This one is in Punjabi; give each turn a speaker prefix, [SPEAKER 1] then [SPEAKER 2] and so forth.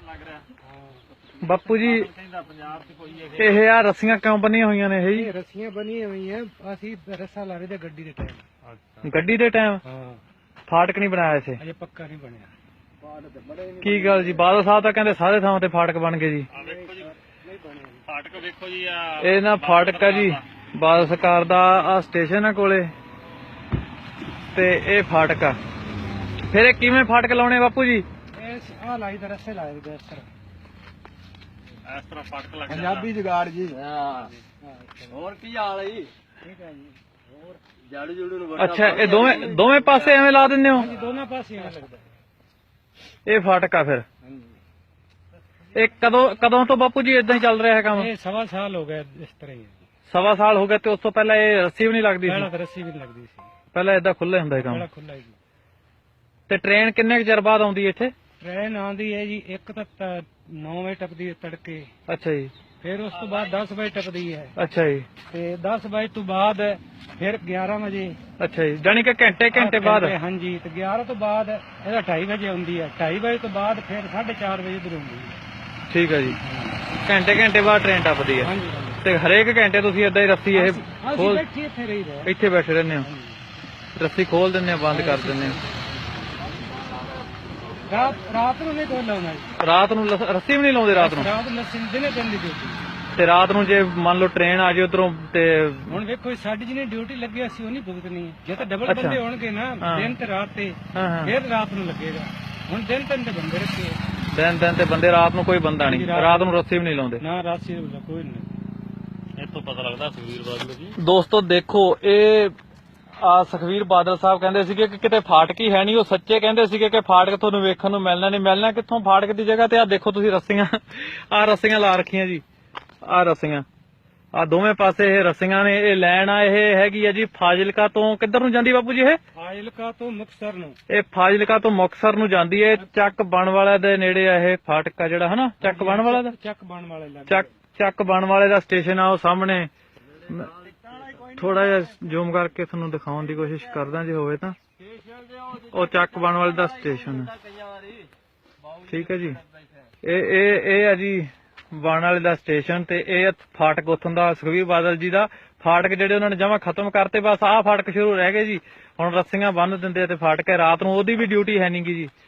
[SPEAKER 1] ਬਾਪੂ ਜੀ ਇਹ ਆ ਰੱਸੀਆਂ ਕਿਉਂ ਬੰਨੀਆਂ ਹੋਈਆਂ ਨੇ ਇਹ ਜੀ?
[SPEAKER 2] ਰੱਸੀਆਂ ਬਣੀਆਂ ਹੋਈਆਂ ਅਸੀਂ ਰੱਸਾ ਲਾ ਰਹੇ ਤੇ ਗੱਡੀ ਦੇ ਟਾਈਮ।
[SPEAKER 1] ਗੱਡੀ ਦੇ ਟਾਈਮ?
[SPEAKER 2] ਹਾਂ,
[SPEAKER 1] ਫਾਟਕ ਨਹੀਂ ਬਣਾਇਆ ਇੱਥੇ?
[SPEAKER 2] ਅਜੇ ਪੱਕਾ ਨਹੀਂ ਬਣਿਆ।
[SPEAKER 1] ਕੀ ਗੱਲ ਜੀ, ਬਾਦਲ ਸਾਹਿਬ ਤਾਂ ਕਹਿੰਦੇ ਸਾਰੇ ਥਾਵਾਂ ਤੇ ਫਾਟਕ ਬਣ ਗਏ ਜੀ।
[SPEAKER 3] ਫਾਟਕ ਵੇਖੋ ਜੀ
[SPEAKER 1] ਇਹ ਨਾ ਫਾਟਕ ਆ ਜੀ, ਬਾਦਲ ਸਰਕਾਰ ਦਾ ਆ ਸਟੇਸ਼ਨ ਆ ਕੋਲੇ ਤੇ ਇਹ ਫਾਟਕ ਆ। ਫਿਰ ਇਹ ਕਿਵੇਂ ਫਾਟਕ ਲਾਉਣੇ ਬਾਪੂ ਜੀ?
[SPEAKER 2] ਇਹ ਆ ਲਾਈ ਤੇ ਰੱਸੇ ਲਾਏ ਦੇ ਇਸ ਤਰ੍ਹਾਂ
[SPEAKER 3] ਫਾਟਕ ਲੱਗ
[SPEAKER 2] ਪੰਜਾਬੀ ਜੁਗਾੜ ਜੀ।
[SPEAKER 3] ਹੋਰ ਕੀ ਹਾਲ ਹੈ ਜੀ?
[SPEAKER 2] ਠੀਕ ਹੈ ਜੀ। ਹੋਰ
[SPEAKER 3] ਜਾੜੂ ਜੂੜੂ ਨੂੰ
[SPEAKER 1] ਅੱਛਾ, ਇਹ ਦੋਵੇਂ ਪਾਸੇ ਐਵੇਂ ਲਾ ਦਿੰਦੇ ਹੋ?
[SPEAKER 2] ਹਾਂਜੀ, ਦੋਨਾਂ ਪਾਸੇ ਐਂ ਲੱਗਦਾ।
[SPEAKER 1] ਇਹ ਫਾਟਕ ਆ ਫਿਰ?
[SPEAKER 2] ਹਾਂਜੀ।
[SPEAKER 1] ਇਹ ਕਦੋਂ ਤੋਂ ਬਾਪੂ ਜੀ ਇਦਾਂ ਹੀ ਚੱਲ ਰਿਹਾ ਹੈ ਕੰਮ?
[SPEAKER 2] ਇਹ 1.25 ਸਾਲ ਹੋ ਗਏ ਇਸ ਤਰ੍ਹਾਂ ਹੀ।
[SPEAKER 1] 1.25 ਸਾਲ ਹੋ ਗਏ ਤੇ ਉਸ ਤੋਂ ਪਹਿਲਾਂ ਇਹ ਰੱਸੀ ਵੀ ਨਹੀਂ ਲੱਗਦੀ
[SPEAKER 2] ਪਹਿਲਾਂ
[SPEAKER 1] ਸੀ?
[SPEAKER 2] ਤਾਂ ਰੱਸੀ ਵੀ ਨਹੀਂ ਲੱਗਦੀ ਸੀ,
[SPEAKER 1] ਪਹਿਲਾਂ ਏਦਾਂ ਖੁੱਲੇ ਹੁੰਦਾ ਸੀ ਕੰਮ?
[SPEAKER 2] ਪਹਿਲਾਂ ਖੁੱਲਾ ਹੀ ਜੀ।
[SPEAKER 1] ਤੇ ਟ੍ਰੇਨ ਕਿੰਨੇ ਕੁ ਚਿਰ ਬਾਅਦ ਆਉਂਦੀ ਹੈ ਇੱਥੇ?
[SPEAKER 2] ਟ੍ਰੇਨ ਆਉਂਦੀ ਹੈ ਜੀ, ਇੱਕ ਤਾਂ 9 ਵਜੇ ਟੱਪਦੀ ਹੈ ਤੜਕੇ,
[SPEAKER 1] ਅੱਛਾ ਜੀ।
[SPEAKER 2] ਫਿਰ ਉਸ ਤੋਂ ਬਾਅਦ 10 ਵਜੇ ਟੱਪਦੀ ਹੈ,
[SPEAKER 1] ਅੱਛਾ ਜੀ।
[SPEAKER 2] ਤੇ 10 ਵਜੇ ਤੋਂ ਬਾਅਦ ਫਿਰ 11 ਵਜੇ।
[SPEAKER 1] ਅੱਛਾ ਜੀ, ਜਾਣੀ ਕਿ ਘੰਟੇ ਬਾਅਦ?
[SPEAKER 2] ਹਾਂਜੀ, ਤੇ 11 ਤੋਂ ਬਾਅਦ ਇਹਦਾ 2:30 ਵਜੇ ਆਉਂਦੀ ਹੈ, 2:30 ਵਜੇ ਤੋਂ ਬਾਅਦ ਫਿਰ 4:30 ਵਜੇ ਇੱਧਰ ਆਉਂਦੀ ਹੈ।
[SPEAKER 1] ਠੀਕ ਹੈ ਜੀ, ਘੰਟੇ ਬਾਅਦ ਟ੍ਰੇਨ ਟੱਪਦੀ ਹੈ।
[SPEAKER 2] ਹਾਂਜੀ,
[SPEAKER 1] ਤੇ ਹਰੇਕ ਘੰਟੇ ਤੁਸੀਂ ਏਦਾਂ ਹੀ ਰੱਸੀ ਇਹ
[SPEAKER 2] ਅਸੀਂ
[SPEAKER 1] ਖੋਲ
[SPEAKER 2] ਬੈਠੇ ਇੱਥੇ ਰਹੀ ਰਹੇ।
[SPEAKER 1] ਇੱਥੇ ਬੈਠੇ ਰਹਿੰਦੇ ਹੋ? ਰੱਸੀ ਖੋਲ ਦਿੰਦੇ ਹੋ, ਬੰਦ ਕਰ ਦਿੰਦੇ ਹੋ?
[SPEAKER 2] ਰਾਤ ਨੂੰ ਨਹੀਂ ਕੋਈ ਲਾਉਣਾ ਜੀ।
[SPEAKER 1] ਰਾਤ ਨੂੰ ਰੱਸੀ ਵੀ ਨਹੀਂ ਲਾਉਂਦੇ? ਰਾਤ ਨੂੰ
[SPEAKER 2] ਲੱਸੀ ਦਿਨੇ ਦਿਨ ਦੀ ਡਿਊਟੀ।
[SPEAKER 1] ਤੇ ਰਾਤ ਨੂੰ ਜੇ ਮੰਨ ਲਓ ਟ੍ਰੇਨ ਆ ਜਾਏ ਉਧਰੋਂ ਤੇ?
[SPEAKER 2] ਹੁਣ ਵੇਖੋ ਸਾਡੀ ਜਿਹਨੇ ਡਿਊਟੀ ਲੱਗੀ ਅਸੀਂ ਉਹ ਨਹੀਂ ਭੁਗਤਣੀ ਹੈ। ਜੇ ਤਾਂ ਡਬਲ
[SPEAKER 1] ਅੱਛਾ।
[SPEAKER 2] ਬੰਦੇ ਹੋਣਗੇ ਨਾ, ਦਿਨ ਤੇ ਰਾਤ ਤੇ,
[SPEAKER 1] ਹਾਂ।
[SPEAKER 2] ਫਿਰ ਰਾਤ ਨੂੰ ਲੱਗੇਗਾ। ਹੁਣ ਦਿਨ ਤੇ ਬੰਦੇ ਰੱਖੇ
[SPEAKER 1] ਦਿਨ ਤੇ ਬੰਦੇ, ਰਾਤ ਨੂੰ ਕੋਈ ਬੰਦਾ ਨਹੀਂ? ਰਾਤ ਨੂੰ ਰੱਸੀ ਵੀ ਨਹੀਂ ਲਾਉਂਦੇ?
[SPEAKER 2] ਨਾ, ਰਾਸੀ ਕੋਈ ਨਹੀਂ।
[SPEAKER 3] ਇਹ ਤੋਂ ਪਤਾ ਲੱਗਦਾ ਸੁਖਬੀਰ ਬਾਦਲ ਜੀ।
[SPEAKER 1] ਦੋਸਤੋ ਦੇਖੋ, ਇਹ ਸੁਖਬੀਰ ਬਾਦਲ ਸਾਹਿਬ ਕਹਿੰਦੇ ਸੀਗੇ ਕਿ ਕਿਤੇ ਫਾਟਕ ਹੀ ਹੈ ਨਹੀਂ। ਉਹ ਸੱਚੇ ਕਹਿੰਦੇ ਸੀਗੇ ਕਿ ਫਾਟਕ ਤੁਹਾਨੂੰ ਵੇਖਣ ਨੂੰ ਮਿਲਣਾ ਨਹੀਂ। ਮਿਲਣਾ ਕਿੱਥੋਂ ਫਾਟਕ ਦੀ ਜਗ੍ਹਾ ਤੇ? ਆ ਦੇਖੋ ਤੁਸੀਂ ਰੱਸੀਆਂ, ਆ ਰੱਸੀਆਂ ਲਾ ਰੱਖੀਆਂ ਜੀ। ਆ ਰੱਸੀਆਂ, ਆ ਦੋਵੇਂ ਪਾਸੇ ਇਹ ਰੱਸੀਆਂ ਨੇ। ਇਹ ਲਾਈਨ ਆ, ਇਹ ਹੈਗੀ ਆ ਜੀ ਫਾਜ਼ਿਲਕਾ ਤੋਂ। ਕਿੱਧਰ ਨੂੰ ਜਾਂਦੀ ਬਾਪੂ ਜੀ ਇਹ?
[SPEAKER 2] ਫਾਜ਼ਿਲਕਾ ਤੋਂ ਮੁਕਤਸਰ ਨੂੰ।
[SPEAKER 1] ਇਹ ਫਾਜ਼ਿਲਕਾ ਤੋਂ ਮੁਕਤਸਰ ਨੂੰ ਜਾਂਦੀ ਹੈ। ਚੱਕ ਬਣ ਵਾਲਾ ਦੇ ਨੇੜੇ ਆ ਇਹ ਫਾਟਕ ਆ ਜਿਹੜਾ, ਹਨਾ? ਚੱਕ ਬਣ ਵਾਲਾ ਦਾ,
[SPEAKER 2] ਚੱਕ ਬਣ ਵਾਲੇ
[SPEAKER 1] ਚੱਕ ਬਣ ਵਾਲੇ ਦਾ ਸਟੇਸ਼ਨ ਆ ਉਹ ਸਾਹਮਣੇ। ਥੋੜਾ ਜਿਹਾ ਜ਼ੂਮ ਕਰਕੇ ਤੁਹਾਨੂੰ ਦਿਖਾਉਣ ਦੀ ਕੋਸ਼ਿਸ਼ ਕਰਦਾ ਜੇ ਹੋਵੇ ਤਾਂ। ਉਹ ਚੱਕ ਬਣ ਵਾਲੇ ਦਾ ਸਟੇਸ਼ਨ ਹੈ, ਠੀਕ ਹੈ ਜੀ। ਇਹ ਆ ਜੀ ਬਣ ਵਾਲੇ ਦਾ ਸਟੇਸ਼ਨ, ਤੇ ਇਹ ਫਾਟਕ ਉੱਥੋਂ ਦਾ ਸੁਖਬੀਰ ਬਾਦਲ ਜੀ ਦਾ ਫਾਟਕ ਜਿਹੜੇ ਉਹਨਾਂ ਨੇ ਜਮਾਂ ਖਤਮ ਕਰਤੇ। ਬਸ ਆਹ ਫਾਟਕ ਸ਼ੁਰੂ ਰਹਿ ਗਏ ਜੀ। ਹੁਣ ਰੱਸੀਆਂ ਬੰਨ੍ਹ ਦਿੰਦੇ ਆ ਤੇ ਫਾਟਕ ਹੈ। ਰਾਤ ਨੂੰ ਉਹਦੀ ਵੀ ਡਿਊਟੀ ਹੈ ਨੀ ਗੀ ਜੀ।